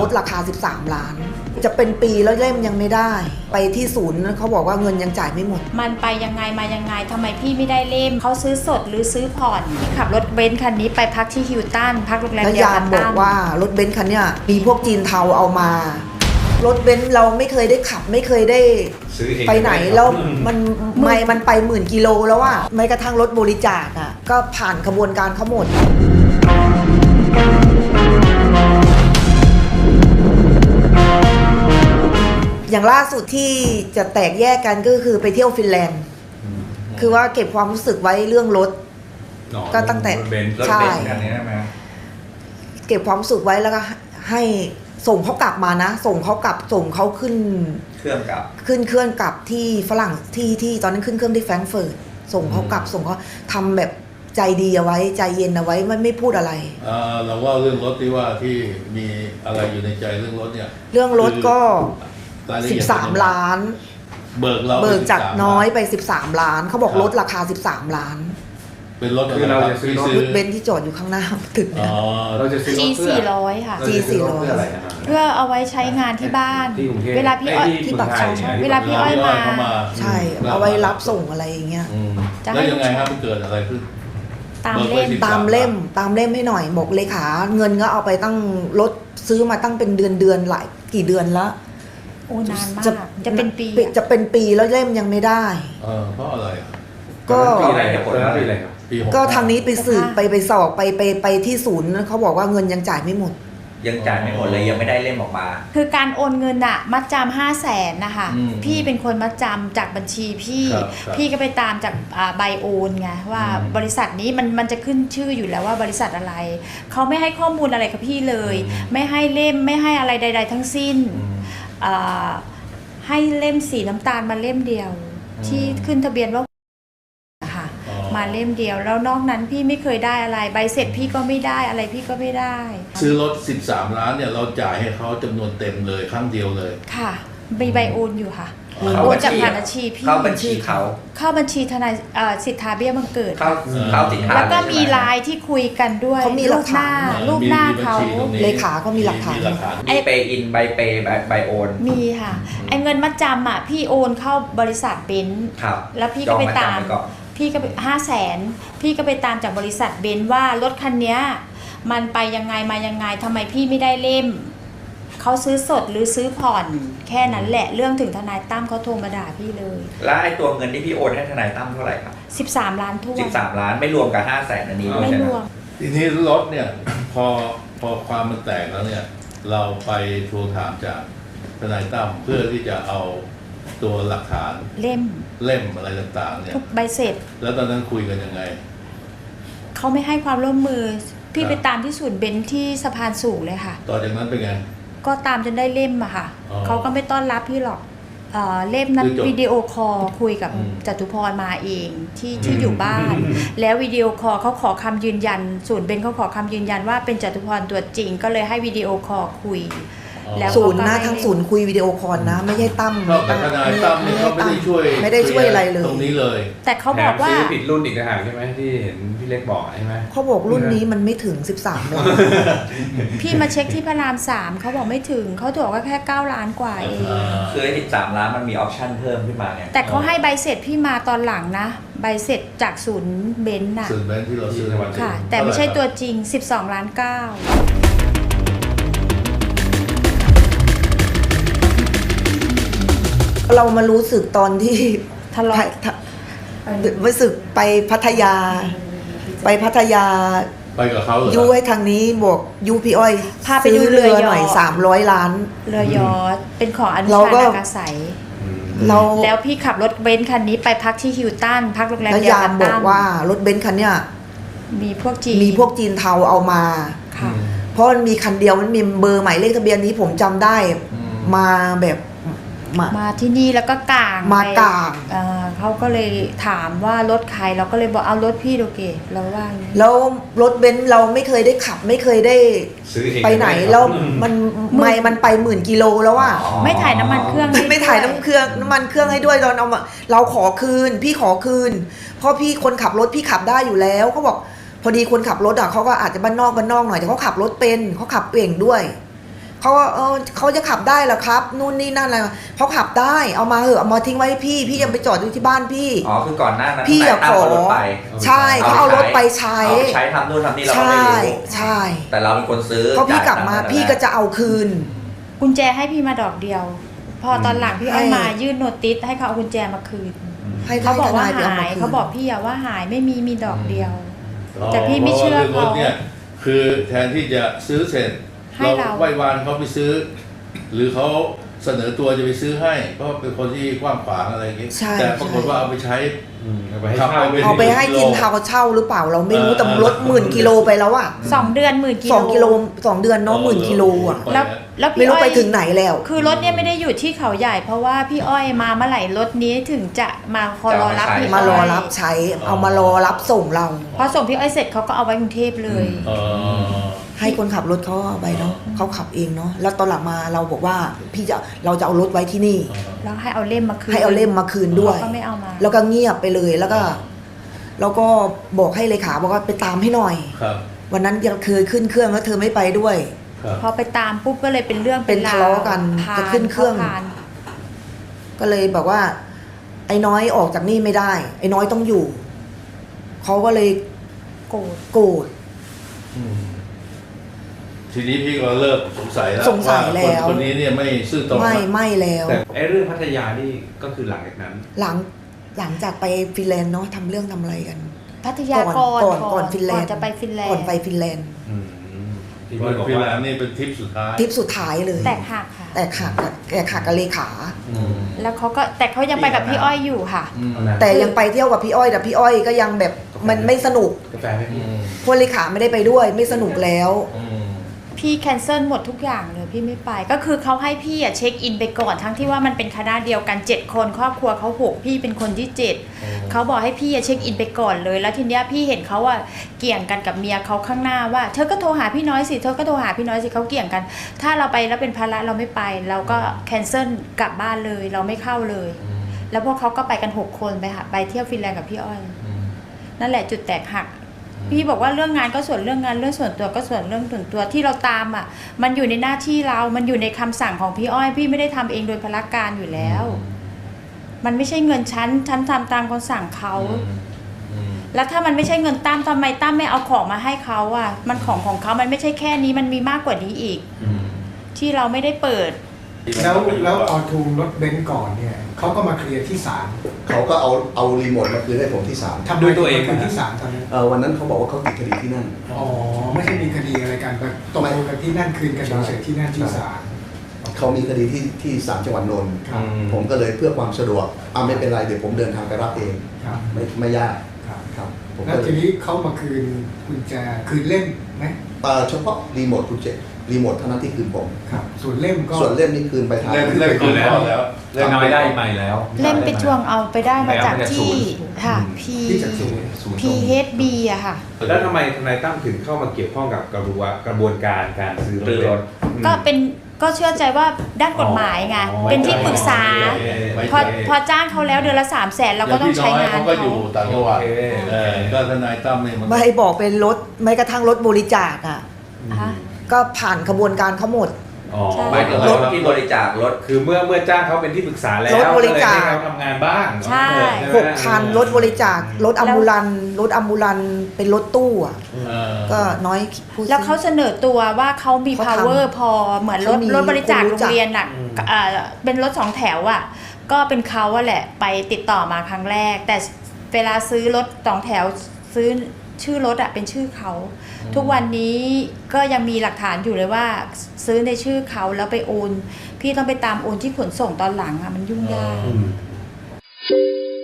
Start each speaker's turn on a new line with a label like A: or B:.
A: ดราคา13 ล้านจะเป็นปีแล้วเล่มยังไม่ได้ไปที่ศูนย์เขาบอกว่าเงินยังจ่ายไม่หมด
B: มันไปยังไงมายังไงทำไมพี่ไม่ได้เล่มเขาซื้อสดหรือซื้อผ่อนพี่ขับรถเบนซ์คันนี้ไปพักที่ฮิลตันพักโรงแรม
A: แล้วยามบอกว่ารถเบนซ์คันนี้มีพวกจีนเทาเอามารถเบนซ์เราไม่เคยได้ขับไม่เคยได้ไปไหนแล้วมันไป10,000 กิโลแล้วอะแม้กระทั่งรถบริจาคอะก็ผ่านกระบวนการเขาหมดอย่างล่าสุดที่จะแตกแยกกันก็คือไปเที่ยวฟินแลนด์คือว่าเก็บความรู้สึกไว้เรื่องรถก็ตั้งแต่ใช่เก็บความรู้สึกไว้แล้วก็ให้ส่งเขากลับมานะส่งเขาขึ้น
C: เครื่องกลับ
A: ที่ฝรั่งที่ตอนนั้นขึ้นเครื่องที่แฟรงก์เฟิร์ตส่งเขากลับส่งเขาทำแบบใจดีเอาไว้ใจเย็นเอาไว้ไม่พูดอะไร
D: เราว่าเรื่องรถที่ว่าที่มีอะไรอยู่ในใจเรื่องรถเนี่ย
A: เรื่องรถก็13 ล้านเบิกจากน้อยไป13 ล้านเขาบอกลดราคา13 ล้าน
D: เป็นรถ
E: คือเราจะซื้อรถ
A: เบนซ์ที่จอดอยู่ข้างหน้าตึกเนี่ย
E: เราจะซื้อรถ
B: G400 ค่ะ
A: G400
B: เพื่อเอาไไว้ใช้งานที่บ้านเวลาพี่อ้อย
A: ที่ปากซอย
B: เวลาพี่อ้อยมา
A: ใช่เอาไว้รับส่งอะไรอย่างเงี้ย
D: แล้วยังไงครับมันเกิดอะไรขึ้น
A: ตามเล่มให้หน่อยบอกเลขาเงินก็เอาไปตั้งรถซื้อมาตั้งเป็นเดือนหลายกี่เดือนละ
B: โอ้นานมากจะเป็น
A: ปีแล้วเล่มยังไม่ได้
D: เพราะอะไร
A: ก็
E: ปีอะไรครับปีอะไรครับ
A: ก็ทางนี้ไปสืบไปสอบไปที่ศูนย์เขาบอกว่าเงินยังจ่ายไม่หมด
C: ยังจ่ายไม่หมดเลยยังไม่ได้เล่มออกมา
B: คือการโอนเงินอะมัดจำ500,000นะคะพี่เป็นคนมัดจำจากบัญชีพี่ก็ไปตามจากใบโอนไงว่าบริษัทนี้มันจะขึ้นชื่ออยู่แล้วว่าบริษัทอะไรเขาไม่ให้ข้อมูลอะไรกับพี่เลยไม่ให้เล่มไม่ให้อะไรใดๆทั้งสิ้นให้เล่มสีน้ำตาลมาเล่มเดียวที่ขึ้นทะเบียนว่ามาเล่มเดียวแล้วนอกนั้นพี่ไม่เคยได้อะไรใบเสร็จพี่ก็ไม่ได้อะไรพี่ก็ไม่ได้
D: ซื้อรถ13 ล้านเนี่ยเราจ่ายให้เขาจำนวนเต็มเลยครั้งเดียวเลย
B: ค่ะมีใบโอนอยู่ค่ะโอนจากผ่านบัญชีพี่
C: เข้าบัญชี
B: เข้าบัญชีทนายสิทธาเบี้ยบังเกิด
C: เข้าสิทธา
B: แล้วก็มีไลน์ที่คุยกันด้วย
A: เขามีรูปหน้าเขาเลขาเขามีหลักฐาน
C: ไอเปย์อินใบเปย์ใบโอน
B: มีค่ะไอเงินมัดจำอ่ะพี่โอนเข้าบริษัทเบนซ์แล้วพี่ก็ไปตามพี่ก็500,000พี่ก็ไปตามจากบริษัทเบนซ์ว่ารถคันนี้มันไปยังไงมายังไงทำไมพี่ไม่ได้เล่มเขาซื้อสดหรือซื้อผ่อนแค่นั้นแหละเรื่องถึงทนายตั้มเขาโทรมาด่าพี่เลย
C: แล้วไอ้ตัวเงินที่พี่โอนให้ทนายตั้มเท่าไหร่ครับ
B: 13 ล้านทั่ว
C: 13 ล้านไม่รวมกับ500,000อันนี้
B: ไม่รวม
D: ทีนี้รถเนี่ยพอความมันแตกแล้วเนี่ยเราไปทวงถามจากทนายตั้มเพื่อที่จะเอาตัวหลักฐาน
B: เล่ม
D: อะไรต่างๆเนี่ย
B: ทุกใบเสร็จ
D: แล้วตอนนั้นคุยกันยังไง
B: เขาไม่ให้ความร่วมมือพี่ไปตามที่ศูนย์เบนซ์ที่สะพานสูงเลยค่ะ
D: ต่อจากนั้นเป็นไง
B: ก็ตามจนได้เล่มอะค่ะเขาก็ไม่ต้อนรับพี่หรอกเล่มนั้นวิดีโอคอลคุยกับจตุพรมาเองที่อยู่บ้านแล้ววิดีโอคอลเขาขอคำยืนยันศูนย์เบนซ์เขาขอคำยืนยันว่าเป็นจตุพรตัวจริงก็เลยให้วิดีโอคอลคุย
A: แล้วศูนย์นะทั้งศูนย์คุยวิดีโอคอลนะไม่ใช่ตั้ม
D: แต่ทนายตั้มเขาไม่ได้ช่วย
A: อะไรเลย
D: ตรงนี้เลย
B: แต่เขาบอกว่า
E: ซื้อผิดรุ่นอีกต่างหากใช่ไหมที่เห็นพี่เล็กบอกใช่ไหม
A: เขาบอกรุ่นนี้มันไม่ถึง13 ล้าน
B: พี่มาเช็คที่พระราม3เขาบอกไม่ถึงเขาบอกว่าแค่9 ล้านกว่าเอง
C: คือ13 ล้านมันมีออปชั่นเพิ่มขึ้นมาไง
B: แต่เขาให้ใบเสร็จพี่มาตอนหลังนะใบเสร็จจากศูนย์เบนซ์น่ะ
D: ศูนย์เบนซ์ที่เราซื้อ
B: ค่ะแต่ไม่ใช่ตัวจริง12 ล้าน 9
A: เรามารู้สึกตอนที่
B: ทะเลาะ
A: รู้สึกไปพัทยาไปกับเขายูให้ทางนี้บอกยูพี่อ้อย
B: พาไปดูเรือ
A: หน่อย300 ล้าน
B: เรือยอชต์เป็นของอนุชานาคาสัยแล้วพี่ขับรถเบนซ์คันนี้ไปพักที่ฮิลตันพักโรงแรม
A: แล้วยามบอกว่ารถเบนซ์คันเนี้ย
B: มีพวก
A: จีนเทาเอามาเพราะมันมีคันเดียวมันมีเบอร์หมายเลขทะเบียนนี้ผมจำได้มาแบบ
B: มาที่นี่แล้วก็กลางเขาก็เลยถามว่ารถใครเราก็เลยบอกเอารถพี่โอเคเราว่า
A: แล้วรถเบนซ์เราไม่เคยได้ขับไม่เคยได้ไปไหนแล้วมันไป10,000 กิโลแล้วอะ
B: ไม่ถ่ายน้ำมันเครื่อง
A: ไม่ถ่ายน้ำมันเครื่องให้ด้วยตอนเอามาเราขอคืนพี่ขอคืนเพราะพี่คนขับรถพี่ขับได้อยู่แล้วเขาบอกพอดีคนขับรถอะเขาก็อาจจะบ้านนอกหน่อยแต่เขาขับรถเป็นเขาขับเก่งด้วยเขาว่าเขาจะขับได้เหรอครับนู่นนี่นั่นอะไรเขาขับได้เอามาเหอะเอามาทิ้งไว้ให้พี่ยังไปจอดอยู่ที่บ้านพี่
C: อ๋อคือก่อนหน้านั้น
A: พี่อยากขอ
C: รถไป
A: ใช่เขาเอารถไปใช้
C: เอาไปใช้ทำนู่นทำนี่เราก็ไม่รู้
A: ใช่
C: แต่เราเป็นคนซื้อ
A: พอพี่กลับมา
C: จ่ยตังค์
A: พี่ก็จะเอาคืน
B: กุญแจให้พี่มาดอกเดียว พอตอนหลังพี่อ้อย
A: ให้
B: มายื่นโนติสให้เขาเอากุญแจมาคืน
A: ให้
B: เขาบอกว่า
A: ทนไป
B: หาย
A: คืน
B: เขาบอกพี่อะว่าหายไม่มีดอกเดียว แต่พี่ไม่เชื่อ
D: พราะว่ารื่องรถเนี่ยคือแทนที่จะซื้อเสร็จ
B: ให้เรา
D: ไหว้วานเขาไปซื้อ หรือเขาเสนอตัวจะไปซื้อให้เพราะเป็นคนที่กว้างขวางอะไรอย่างงี้
A: ใช่
D: แต่ปรากฏว่าเอาไปใช้
E: เอาไปให้
D: ขับ
E: เช่า
A: เอาไปให้กินเทาเช่าหรือเปล่าเราไม่รู้แต่รถ10,000 กิโลไปแล้วอะ
B: 2 เดือน10,000 กิโล
A: 2 กิโล2 เดือนเนาะ10,000 กิโลอะ
B: แล้ว
A: ไม่
B: พี่
A: รู้
B: อ้อ
A: ไป
B: ย
A: ถึงไหนแล้ว
B: คือรถเนี่ยไม่ได้อยู่ที่เขาใหญ่ เพราะว่าพี่อ้อยมาเมื่อไหร่รถนี้ถึงจะมาคอรอรับพี่
A: มารอ
B: อ้ย
A: รับใช้เอามารอรับส่งเรา
B: พอส่งพี่อ้อยเสร็จเขาก็เอาไว้กรุงเทพเลย
D: เออ
A: ให้คนขับรถเขาเอาไปเนาะเขาขับเองเนาะแล้วตอนหลังมาเราบอกว่าเราจะเอารถไว้ที่นี่
B: แล้วให้เอาเล่มมาคืน
A: ให้เอาเล่มมาคืนด้วย
B: เขาก็ไม่เอามา
A: แล้วก็เงียบไปเลยแล้วก็บอกให้เลขาบอกว่าไปตามให้หน่อย
D: ครับ
A: วันนั้นยังเคยขึ้นเครื่องแล้วเธอไม่ไปด้วย
D: ครับ
B: พอไปตามปุ๊บก็เลยเป็นเรื่อง
A: เป็นทะเลาะกัน
B: ผ่
A: จะขึ้นเครื่อง
B: ผ่าน
A: ก็เลยบอกว่า ไอ้น้อยออกจากนี่ไม่ได้ ไอ้น้อยต้องอยู่เขาก็เลย
B: โกรธ
A: โกรธ
D: ทีนี้พี่ก็เริ่มสงสัยแล้ว
A: สงสัยแล้ว
D: คนนี้เนี่ยไม่ซื่อตรง
A: ไม่แล้ว
E: แต่ไอ้เรื่องพัทยานี่ก็คือหลังจากนั้น
A: หลังจากไปฟินแลนด์เนาะทำเรื่องทำอะไรกัน
B: พัทยา
A: ก่อนฟินแลนด์
B: ก่อนจะไปฟินแลนด์
A: ก่อนไปฟินแลนด์
E: ที่
D: วัน
E: พี่บอก
D: ฟินแล
E: ว่าน
D: ด์นี่เป็นทริปสุดท้าย
A: ทริปสุดท้ายเลย
B: แตกหักค่ะ
A: แต่ขาดกับเลขา
B: แล้วเขาก็แต่เขายังไปกับพี่อ้อยอยู่ค่ะ
A: แต่ยังไปเที่ยวกับพี่อ้อยแต่พี่อ้อยก็ยังแบบมันไม่สนุก
E: กาแฟไหมพี่
A: คนเลขาไม่ได้ไปด้วยไม่สนุกแล้ว
B: พี่แคนเซิลหมดทุกอย่างเลยพี่ไม่ไปก็คือเขาให้พี่อะเช็คอินไปก่อนทั้งที่ว่ามันเป็นคณะเดียวกัน7 คนครอบครัวเขา6พี่เป็นคนที่7เขาบอกให้พี่อะเช็คอินไปก่อนเลยแล้วทีเนี้ยพี่เห็นเขาอะเกี่ยงกันกับเมียเขาข้างหน้าว่าเธอก็โทรหาพี่น้อยสิเธอก็โทรหาพี่น้อยสิเขาเกี่ยงกัน ถ้าเราไปแล้วเป็นภาระเราไม่ไปเราก็แคนเซิลกลับบ้านเลยเราไม่เข้าเลย แล้วพวกเขาก็ไปกัน6 คนไปเที่ยวฟินแลนด์กับพี่อ้อยนั่นแหละจุดแตกหักพี่บอกว่าเรื่องงานก็ส่วนเรื่องงานเรื่องส่วนตัวก็ส่วนเรื่องส่วนตัวที่เราตามอ่ะมันอยู่ในหน้าที่เรามันอยู่ในคำสั่งของพี่อ้อยพี่ไม่ได้ทำเองโดยพละการอยู่แล้ว มันไม่ใช่เงินฉันทำตามคำสั่งเขาแล้วถ้ามันไม่ใช่เงินตั้มทำไมตั้มไม่เอาของมาให้เขาอ่ะมันของเขามันไม่ใช่แค่นี้มันมีมากกว่านี้อีกที่เราไม่ได้เปิด
F: แล้วออทูรถเบนซ์ก่อนเนี่ยเขาก็มาเคลียร์ที่ศาล
G: เขาก็เอารีโมทมาคืนให้ผมที่ศาล
F: ทำด้วยตัวเองคือที่ศาลตอนนั้น
G: วันนั้นเขาบอกว่าเขาติดคดีที่นั่น
F: อ๋อไม่ใช่มีคดีอะไรกันแต่ตกลงกันที่นั่นคืนกันเฉยๆที่นั่นที่ศาล
G: เขามีคดีที่ศาลจังหวัดนนท์
F: ครับ
G: ผมก็เลยเพื่อความสะดวกไม่เป็นไรเดี๋ยวผมเดินทางไปรับเอง
F: ครับ
G: ไม่ยาก
F: ครับ
G: ครับผม
F: แล้ว
G: ก็เล
F: ที
G: ย
F: นี้เขามาคืนกุญแจคืนเล่มไหม
G: เฉพาะรีโมทคุณเจรีโมทเท่านั้นที่คืนผม
F: ครับส่วนเล่มก็
G: ส่วนเล่มนี่คืนไปทาง
D: เริ่มคืนแล้ว
E: เรื่องน้อยได้ใหม่แล้ว
B: เล่มไปทวงเอาไปได้มาจากที่ค่ะ
F: ที่จากศูนย์
B: PHB อะค่ะ
E: แล้วทำไมทนายตั้มถึงเข้ามาเกี่ยวข้องกับกระบวนการการซื้อรถ
B: ก็เชื่อใจว่าด้านกฎหมายไงเป็นที่ปรึกษาพอจ้างเขาแล้วเดือนละ300,000เราก็ต้องใช้งาน
D: เขาก็อยู่ต่างจังหวัดก็ทนายตั้มเนี่ยมัน
A: ไม่ให้บอกเป็นรถไม่กระทั่งรถบริจาคอ่ะ
B: อ่ะ
A: ก็ผ่านกระบวนการเขาหมด
C: หมายถึงรถที่บริจาครถ
E: คือเมื่อจ้างเขาเป็นที่ปรึกษาแล้ว
A: รถบริจาค
E: ก็เลยให้เขาทำงานบ้าง
B: ใช่
A: 6 คันรถบริจาครถอัมบูลันซ์รถอัมบูลันซ์เป็นรถตู้อ่ะก็น้อยพูด
B: แล้วเขาเสนอตัวว่าเขามี
A: เขาทำ
B: power พอเหมือนรถ
A: เขามี
B: รถบริจาค
A: คน
B: โร
A: รู้
B: ง
A: จัก
B: เรียนอ่ะเป็นรถ2 แถวอ่ะก็เป็นเขาอะแหละไปติดต่อมาครั้งแรก แต่เวลาซื้อรถ2 แถวซื้อชื่อรถอะเป็นชื่อเขาทุกวันนี้ก็ยังมีหลักฐานอยู่เลยว่าซื้อในชื่อเขาแล้วไปโอนพี่ต้องไปตามโอนที่ขนส่งตอนหลังอะมันยุ่งยาก
E: อืม